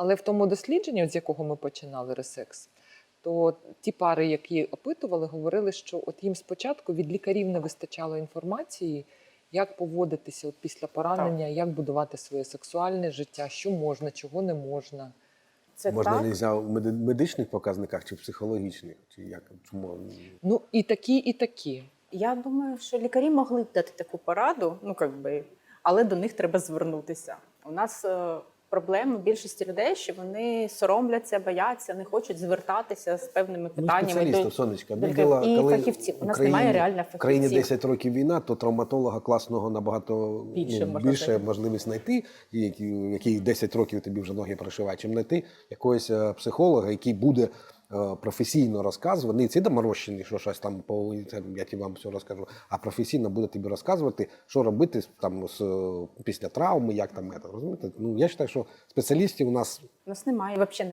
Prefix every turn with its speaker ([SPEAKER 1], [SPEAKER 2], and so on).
[SPEAKER 1] Але в тому дослідженні, з якого ми починали ресекс, то ті пари, які опитували, говорили, що от їм спочатку від лікарів не вистачало інформації, як поводитися от після поранення, як будувати своє сексуальне життя, що можна, чого не можна.
[SPEAKER 2] Це
[SPEAKER 3] Можна
[SPEAKER 2] так.
[SPEAKER 3] не за медичних показниках чи психологічних? Чи як? Чому?
[SPEAKER 1] Ну і такі, і такі.
[SPEAKER 2] Я думаю, що лікарі могли б дати таку пораду, але до них треба звернутися. У нас проблема більшості людей, що вони соромляться, бояться, не хочуть звертатися з певними питаннями.
[SPEAKER 3] Спеціалістів, Сонечка.
[SPEAKER 2] І фахівців. У нас немає реально фахівців.
[SPEAKER 3] В країні 10 років війна, то травматолога класного набагато більше можливість знайти, який 10 років тобі вже ноги пришиває, чим знайти якогось психолога, який буде професійно розказувати, не ці доморощені, що щось там, я ті вам все розкажу, а професійно буде тобі розказувати, що робити там після травми, як там, розумієте? Ну, я вважаю, що спеціалістів у нас
[SPEAKER 2] немає взагалі.